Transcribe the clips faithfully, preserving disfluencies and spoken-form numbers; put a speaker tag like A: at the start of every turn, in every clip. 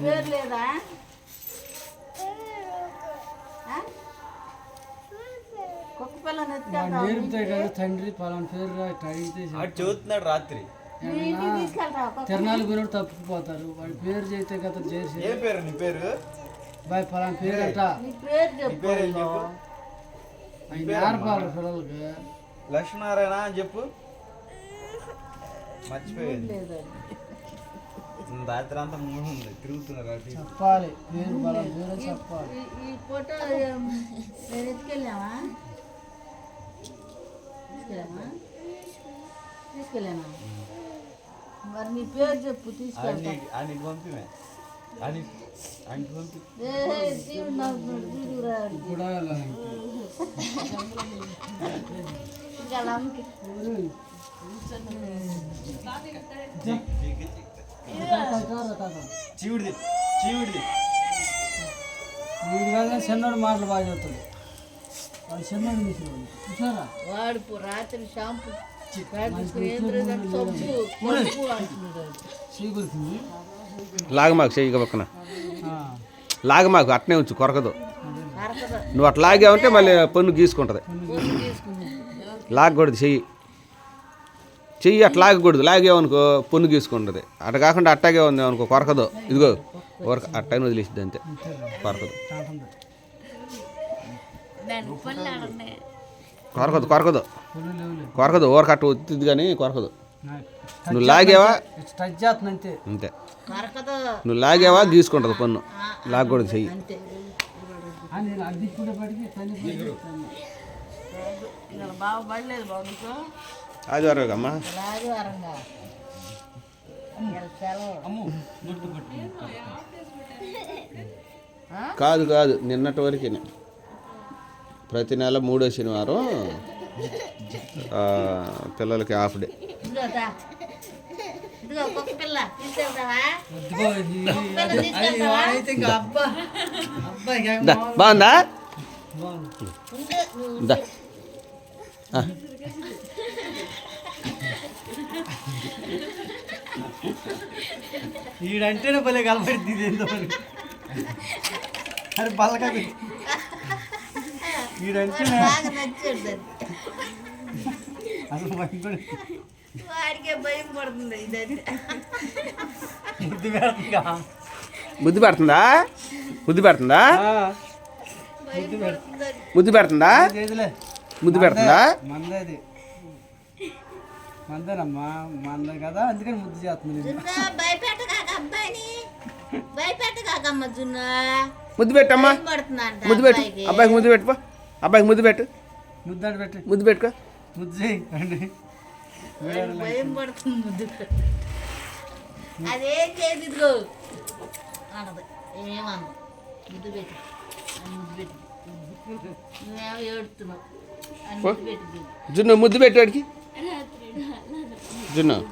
A: పేరు లేదా? కుక్క పిల్లని
B: నేర్పుతాయి కదా తండ్రి పలానా పేరు అడిగితే
C: చదువుతున్నాడు రాత్రి.
B: తిరణాలు పోయినప్పుడు తప్పుకుపోతారు. వాడి పేరు చేస్తే కదా చేసి
C: ఏ పేరు నీ పేరు?
B: బాయ్ పలానా పేరు అంట నేర్పాలి పిల్లలకి.
C: లక్ష్మీనారాయణ అని చెప్పు. మర్చిపోయింది. రాత్రి అంతా మూడు ఉంది తిరుగుతున్నారు
B: చెప్పాలి పేరు పలానా పేరు చెప్పాలి.
A: ఈ ఫోటో నేను ఎత్తుకెళ్ళామా? తీసుకెళ్ళామా? తీసుకెళ్ళామా? మరి నీ పేరు చెప్పు తీసుకెళ్తా.
C: ఆయనకి పంపిమే ఆయనకి ఆయనకి పంపి
B: కూడా
C: చీవుడిది చీవుడిది
B: వీడి వల్ల చిన్నోడు మాటలు బాగా చెప్తాడు. వాడు చిన్నోడు తీసుకున్నాడు చూసారా?
A: వాడు రాత్రి షాంపూ
D: లాగ మాకు చెయ్యి పక్కన లాగ మాకు అట్నే ఉంచు కొరకదు. నువ్వు అట్లా లాగావంటే మళ్ళీ పన్ను గీసుకుంటుంది. లాగకూడదు చెయ్యి చెయ్యి అట్లా లాగకూడదు. లాగేవనుకో పన్ను గీసుకుంటుంది. అట్ట కాకుండా అట్టాగే ఉంది అనుకో కొరకదు. ఇదిగో కొరక అట్టని వదిలేసిద్ది అంతే కొరకదు కొరకదు కొరకదు కొరకదు ఓర కట్ట వచ్చింది కానీ కొరకదు. నువ్వు లాగేవా అంతే. నువ్వు లాగేవా గీసుకుంటుంది పన్ను. లాగకూడదు చెయ్యి. ఆదివారం అమ్మా కాదు కాదు నిన్నటి వరకే. ప్రతి నెల మూడో శనివారం పిల్లలకి హాఫ్ డే. బాగుందా?
B: ఈడంటేనే భలే కలపడుతుంది ఏందో అరే బల్లక ఈడంటేనే అసలు
A: వాడికే భయం పడుతుంది.
D: ముద్దు పెడుతుందా? ముద్దు పెడుతుందా? ముద్దు పెడుతుందా? ముద్దు పెడుతుందా?
B: మందది మందనమ్మా మంద కదా అందుకని ముద్దు చేస్తుంది.
D: ముద్దు పెట్టమ్మా. ముద్దు పెట్టు అబ్బాయికి ముద్దు పెట్టుకో. అబ్బాయికి ముద్దు పెట్టు.
B: ముద్దు పెట్టు
D: ముద్దు పెట్టుకో.
B: ముద్దు చేయండి.
A: భయం పడుతుంది ముద్దు. అదేం చేయదు ఇదిగో అనదు ఏమన్నా ముద్దు పెట్టి ముద్దు పెట్టి నువ్వేమో ఏడుతున్నావు అని ముద్దు పెట్టి
D: జున్ను ముద్దు పెట్టు వాడికి. జున్ను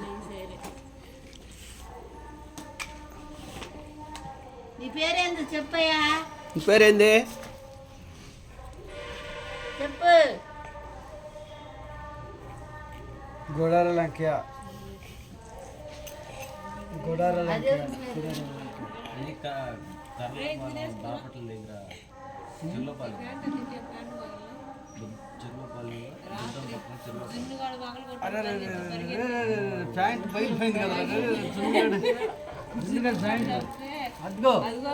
A: నీ పేరేంది చెప్పయ్యా?
D: నీ పేరేంది
A: చెప్పు.
B: గోడార లంకయ్య. గోడార లంకయ్య ప్యాంట్ బయలుపోయింది కదా ప్యాంట్ అదిగో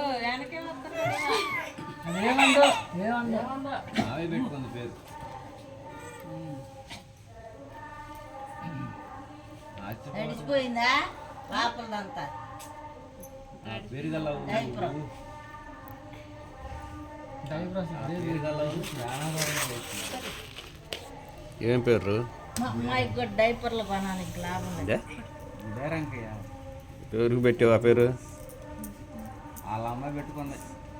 B: ఏమందో ఏమందో
C: ఆమె పెట్టుకుంది పేరు.
A: నడిచిపోయిందా పాపలదంతా?
D: ఏం పేరు?
A: అమ్మాయికి కూడా డైపర్లు కొనాలి లాభం.
D: ఎవరికి పెట్టావు ఆ పేరు?
C: వాళ్ళ అమ్మాయి పెట్టుకుంది.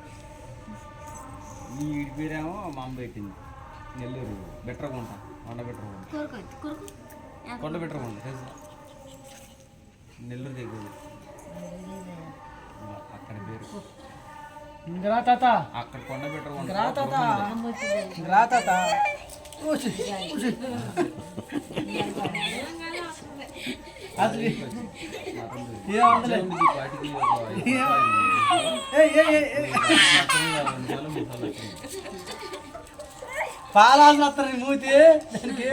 C: ఈ ఈడి పేరేమో మా అమ్మ పెట్టింది. నెల్లూరు బెట్రకుంట కొండ బెట్రకుంట కొండ బెట్రకుంట తెలుసు నెల్లూరు దగ్గర అక్కడ పేరు అక్కడ కొండ బెట్రకుంట.
B: అది పాలాసన వస్తారు నీ మూతి దానికి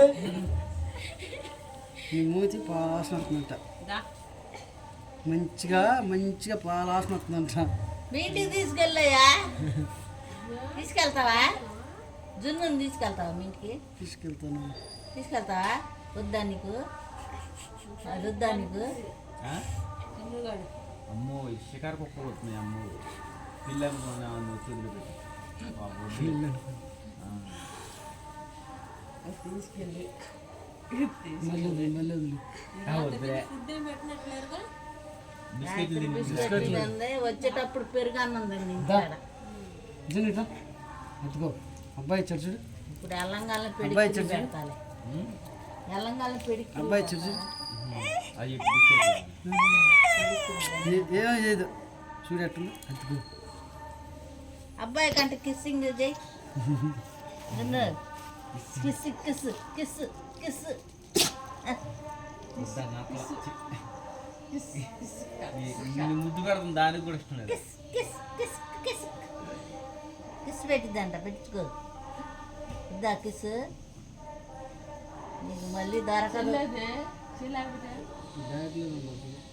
B: నీ మూతి పాలాసన వస్తుందంట మంచిగా మంచిగా పాలాసన వస్తుందంట
A: మీ ఇంటికి తీసుకెళ్ళయ్యా తీసుకెళ్తావా జున్నుని తీసుకెళ్తావా మీ ఇంటికి
B: తీసుకెళ్తాను
A: తీసుకెళ్తావా వద్దా నీకు అది వద్దా నీకు
C: అమ్మో ఈ షికారు కుక్కలు వస్తున్నాయి అమ్మో పిల్లలు వదిలిపెట్టి
B: మళ్ళీ వదిలి, మళ్ళీ వదిలి.
C: బిస్కెట్లు తిని
A: బిస్కెట్లు ఉంది వచ్చేటప్పుడు పెరుగన్నం తింది
B: దా.
A: ఇంటికాడ.
B: ఇదిగో ఇట్లా. ఎత్తుకో అబ్బాయి ఇచ్చాడు చూడు
A: ఇప్పుడు ఎల్లంగాల
B: అబ్బాయి
A: పెడికి
B: చెప్పు.
A: పెడతాలే ఎల్లంగాల పెడికి
B: అబ్బాయి ఇచ్చాడు చూడు
C: అవి బిస్కెట్లు
B: ఏ- ఏమీ చేయదు చూడు ఎట్టుందో ఎత్తుకో
A: అబ్బాయి కంటే కిస్సింగ్ చేయి విన్ను. కిస్ కిస్ కిస్ కిస్
C: నేను ముద్దు పెడుతుంది దానికి కూడా ఇష్టం లేదు
A: kiss kiss kiss kiss kiss పెట్టిద్దంట పెట్టించుకో ఇద్దా కిస్ నీకు మళ్ళీ దొరకదు
B: బ్యాగ్లో ఉంది.